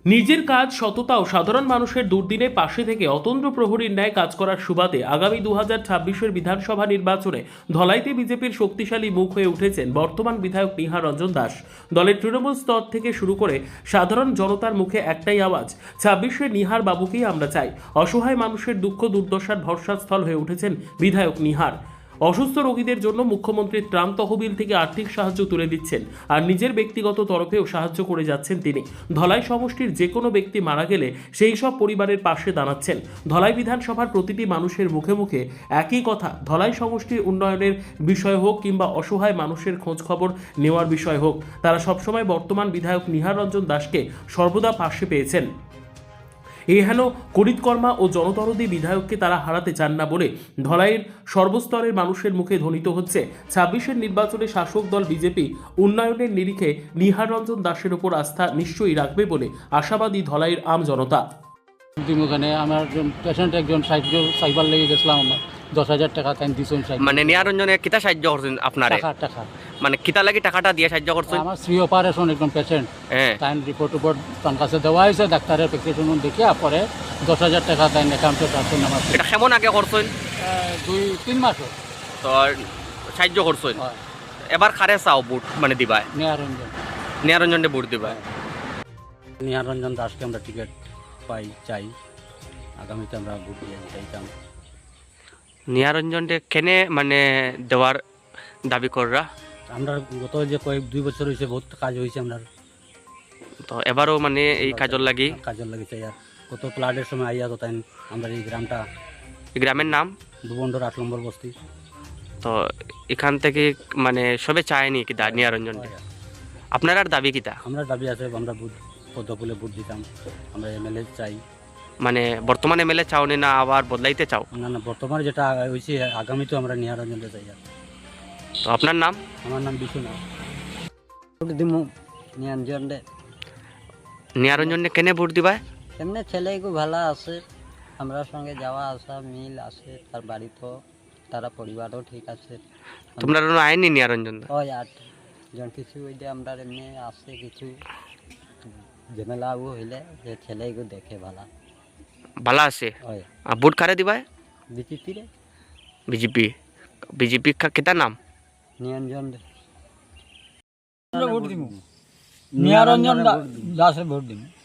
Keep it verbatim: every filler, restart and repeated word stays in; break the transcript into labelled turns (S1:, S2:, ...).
S1: নিজের কাজ সততা ও সাধারণ মানুষের দুর্দিনে পাশে থেকে অতন্দ্র প্রহরীর ন্যায় কাজ করার সুবাদে আগামী দু হাজার ছাব্বিশের বিধানসভা নির্বাচনে ধলাইতে বিজেপির শক্তিশালী মুখ হয়ে উঠেছেন বর্তমান বিধায়ক নিহার রঞ্জন দাস। দলের তৃণমূল স্তর থেকে শুরু করে সাধারণ জনতার মুখে একটাই আওয়াজ, ছাব্বিশে নিহার বাবুকেই আমরা চাই। অসহায় মানুষের দুঃখ দুর্দশার ভরসাস্থল হয়ে উঠেছেন বিধায়ক নিহার। অসুস্থ রোগীদের জন্য মুখ্যমন্ত্রীর ত্রাণ তহবিল থেকে আর্থিক সাহায্য তুলে দিচ্ছেন, আর নিজের ব্যক্তিগত তরফেও সাহায্য করে যাচ্ছেন তিনি। ধলাই সমষ্টির যে কোনো ব্যক্তি মারা গেলে সেই সব পরিবারের পাশে দাঁড়াচ্ছেন। ধলাই বিধানসভার প্রতিটি মানুষের মুখে মুখে একই কথা, ধলাই সমষ্টির উন্নয়নের বিষয় হোক কিংবা অসহায় মানুষের খোঁজ খবর নেওয়ার বিষয় হোক, তারা সবসময় বর্তমান বিধায়ক নিহার রঞ্জন দাসকে সর্বদা পাশে পেয়েছেন। এই হেন করিতকর্মা ও জনদরদী বিধায়ককে তারা হারাতে চান না বলে ধলাইয়ের সর্বস্তরের মানুষের মুখে ধ্বনিত হচ্ছে ছাব্বিশের নির্বাচনে শাসক দল বিজেপি উন্নয়নের নিরিখে নিহার রঞ্জন দাসের উপর আস্থা নিশ্চয়ই রাখবে বলে আশাবাদী ধলাইয়ের আম জনতা।
S2: ওখানে আমার পেশেন্ট একজন সাহায্য সাইবার লেগে গেছিলাম, আমার দশ হাজার টাকা তাই দিয়েছেন।
S3: মানে নিহার রঞ্জনে কিতা সাহায্য করছেন আপনারে?
S2: টাকা টাকা
S3: মানে কিতা লাগি টাকাটা দিয়ে সাহায্য করছেন?
S2: আমার স্ত্রী অপারেশন একজন পেশেন্ট,
S3: হ্যাঁ
S2: তাই রিপোর্ট টিপোর্ট তার কাছে দেওয়া হয়েছে, ডাক্তারের প্রেসক্রিপশন দেখিয়া পরে দশ হাজার টাকা তাই অ্যাকাউন্টে ট্রান্সফার নামার।
S3: এটা কেমন আগে করছেন?
S2: দুই তিন মাস
S3: তো সাহায্য করছেন।
S2: হয়।
S3: এবার খারে চাও বুট মানে দিবাই,
S2: নিহারঞ্জন
S3: নিহার রঞ্জনে বুট দিবাই।
S2: নিহারঞ্জন দাসকে আমরা টিকিট পাই চাই, আগামীতে আমরা ভোট দিয়ে চাইতাম।
S3: নিহার রঞ্জনকে কেনে মানে দেওয়ার দাবি কররা?
S2: আমরা গত যে কয়েক দুই বছর হয়েছে বহুত কাজ হয়েছে আমরা,
S3: তো এবারও মানে এই কাজর লাগি
S2: কাজের লাগিছে। আর কত ফ্লাডের সময় আইয়া তো তাই আমরা এই গ্রামটা,
S3: এই গ্রামের নাম
S2: দুবন্ডর আট নম্বর বস্তি।
S3: তো এখান থেকে মানে সবে চায়নি কি নিহার রঞ্জন? আপনার আর দাবি কিতা?
S2: আমরা দাবি আছে আমরা বুথ পদ্মফুলে ভোট দিতাম, আমরা এমএলএ চাই।
S3: মানে বর্তমানে এমএলএ চাওনি না আবার বদলাইতে চাও?
S2: না না, বর্তমানে যেটা হয়েছে আগামী তো আমরা নিহারঞ্জনকে চাই।
S3: তো আপনার নাম?
S2: আমার নাম বিশ্বনাথ। নিরঞ্জন দে
S3: নিহার রঞ্জনে কেনে ভোট দিবা?
S4: এমনি ছেলেগু ভালো আছে, আমরা সঙ্গে যাওয়া আসা মিল আছে, তার বাড়ি তো তারা পরিবারও ঠিক আছে।
S3: তোমরা আইনি নিহার রঞ্জন?
S4: ওই আট জন কিছু ওই যে আমরা এমনি আছে কিছু ঝামেলাও হইলে যে ছেলেগু দেখে ভালো
S3: ভালো আছে।
S4: ওই
S3: ভোট কারে দিবা?
S4: বিজেপি রে
S3: বিজেপি। বিজেপি কিতা নাম?
S4: নিরঞ্জন দে
S2: ভোট দিব, নিহারঞ্জন দাসের ভোট দিব।